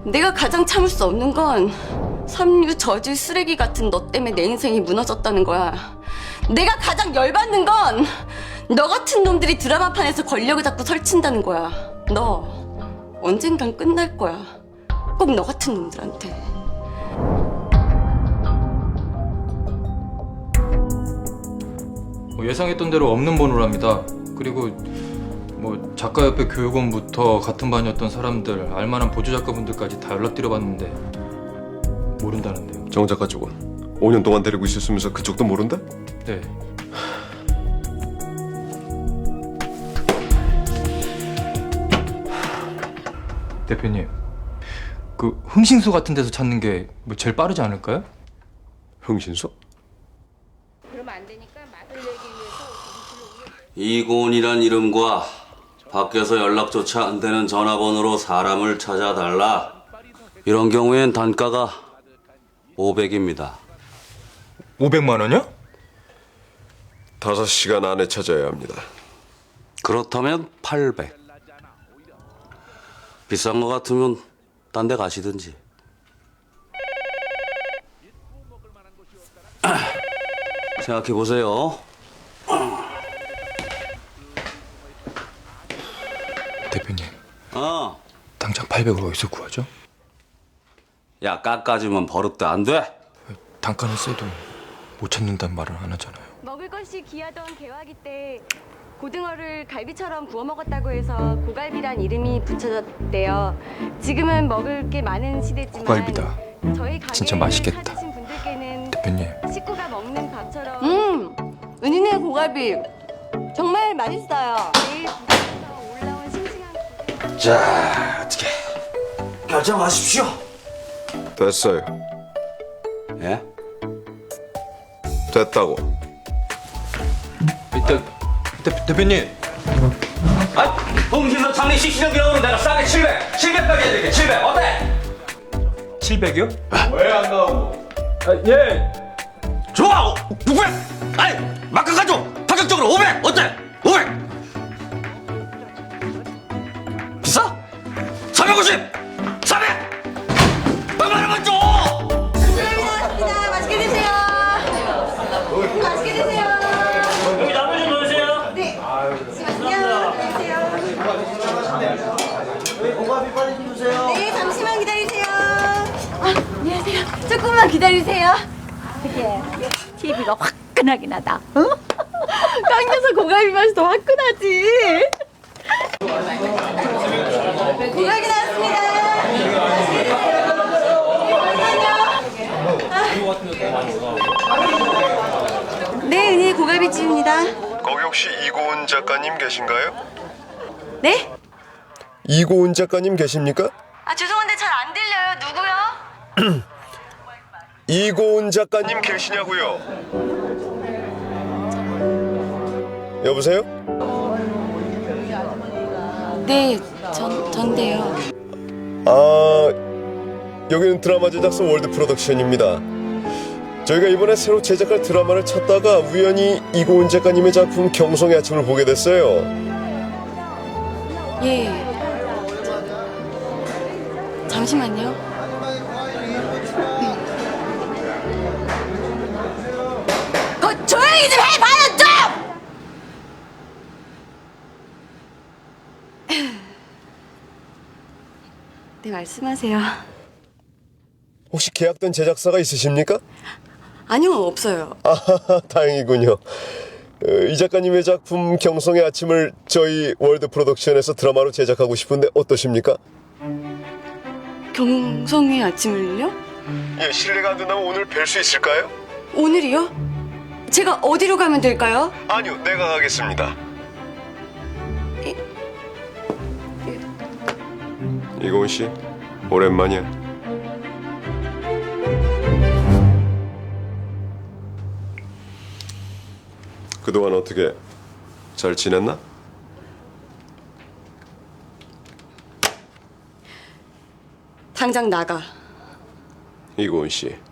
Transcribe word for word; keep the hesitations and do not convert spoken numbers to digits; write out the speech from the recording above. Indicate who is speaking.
Speaker 1: 내가 가장 참을 수 없는 건 삼류 저질 쓰레기 같은 너 때문에 내 인생이 무너졌다는 거야. 내가 가장 열받는 건 너 같은 놈들이 드라마판에서 권력을 잡고 설친다는 거야. 너 언젠간 끝날 거야. 꼭 너 같은 놈들한테.
Speaker 2: 뭐 예상했던 대로 없는 번호랍니다. 그리고 뭐 작가협회 교육원부터 같은 반이었던 사람들, 알만한 보조작가분들까지 다 연락드려봤는데 모른다는데요.
Speaker 3: 정 작가 쪽은 오 년 동안 데리고 있었으면서 그쪽도 모른다?
Speaker 2: 네. 대표님, 그 흥신소 같은 데서 찾는 게 뭐 제일 빠르지 않을까요?
Speaker 3: 흥신소?
Speaker 4: 그러면 안 되니까 맛을 내기 위해서
Speaker 5: 이고은이란 이름과 밖에서 연락조차 안 되는 전화번호로 사람을 찾아달라. 이런 경우엔 단가가 오백입니다.
Speaker 2: 오백만 원이요?
Speaker 3: 다섯 시간 안에 찾아야 합니다.
Speaker 5: 그렇다면 팔백. 비싼 거 같으면 딴 데 가시든지. 생각해 보세요.
Speaker 2: 대표님,
Speaker 5: 어.
Speaker 2: 당장 팔백으로 어디서 구하죠?
Speaker 5: 야, 깎아주면 버릇도 안 돼?
Speaker 2: 단가는 세도 못 찾는다는 말은 안 하잖아요.
Speaker 1: 먹을 것이 귀하던 개화기 때 고등어를 갈비처럼 구워 먹었다고 해서 고갈비란 이름이 붙여졌대요. 지금은 먹을 게 많은 시대지만
Speaker 2: 고갈비다.
Speaker 1: 저희 가게를
Speaker 2: 진짜 맛있겠다.
Speaker 1: 찾으신 분들께는
Speaker 2: 대표님,
Speaker 1: 식구가 먹는 밥처럼 음! 은희네 고갈비 정말 맛있어요. 내일 부산에서 올라온 싱싱한 고기.
Speaker 5: 자, 어떻게 결정하십시오.
Speaker 3: 됐어요.
Speaker 5: 예?
Speaker 3: 됐다고.
Speaker 2: 대, 대, 대표님.
Speaker 5: 아, 흥신소 창립 시시령 기록으로 내가 싸게 칠백, 칠백까지 해드릴게. 칠백 어때?
Speaker 2: 칠백이요?
Speaker 5: 아, 예. 좋아. 육백. 아니, 마크 가져. 파격적으로 오백. 어때? 오백. 비싸? 삼백오십. 사백. 백만 원만 줘.
Speaker 1: 고맙습니다. 맛있게 드세요. 맛있게 드세요.
Speaker 6: 여기 나무 좀 넣으세요.
Speaker 1: 네. 잠시만요. 기다리세요. 네, 잠시만 기다리세요. 아, 안녕하세요. 조금만 기다리세요.
Speaker 4: 티비가 화끈하게 나다. 어?
Speaker 1: 깡겨서 고갈비 맛이 더 화끈하지. 고갈비 나왔습니다. 맛있게 드세요. 네, 은희 고갈비집입니다.
Speaker 3: 거기 혹시 이고은 작가님 계신가요?
Speaker 1: 네?
Speaker 3: 이고은 작가님 계십니까?
Speaker 1: 아, 죄송한데 잘 안 들려요. 누구요?
Speaker 3: 이고은 작가님 계시냐고요? 여보세요?
Speaker 1: 네, 전, 전데요.
Speaker 3: 아, 여기는 드라마 제작소 월드 프로덕션입니다. 저희가 이번에 새로 제작할 드라마를 찾다가 우연히 이고은 작가님의 작품 경성의 아침을 보게 됐어요.
Speaker 1: 예. 잠시만요. 거 조용히 좀 해봐요 좀! 네, 말씀하세요.
Speaker 3: 혹시 계약된 제작사가 있으십니까?
Speaker 1: 아니요, 없어요.
Speaker 3: 아, 다행이군요. 어, 이 작가님의 작품 경성의 아침을 저희 월드 프로덕션에서 드라마로 제작하고 싶은데 어떠십니까?
Speaker 1: 경성의 아침을요?
Speaker 3: 예, 실례가 안 된다면 오늘 뵐 수 있을까요?
Speaker 1: 오늘이요? 제가 어디로 가면 될까요?
Speaker 3: 아니요, 내가 가겠습니다. 이고은 씨, 오랜만이야. 그동안 어떻게 잘 지냈나?
Speaker 1: 당장 나가.
Speaker 3: 이고은 씨.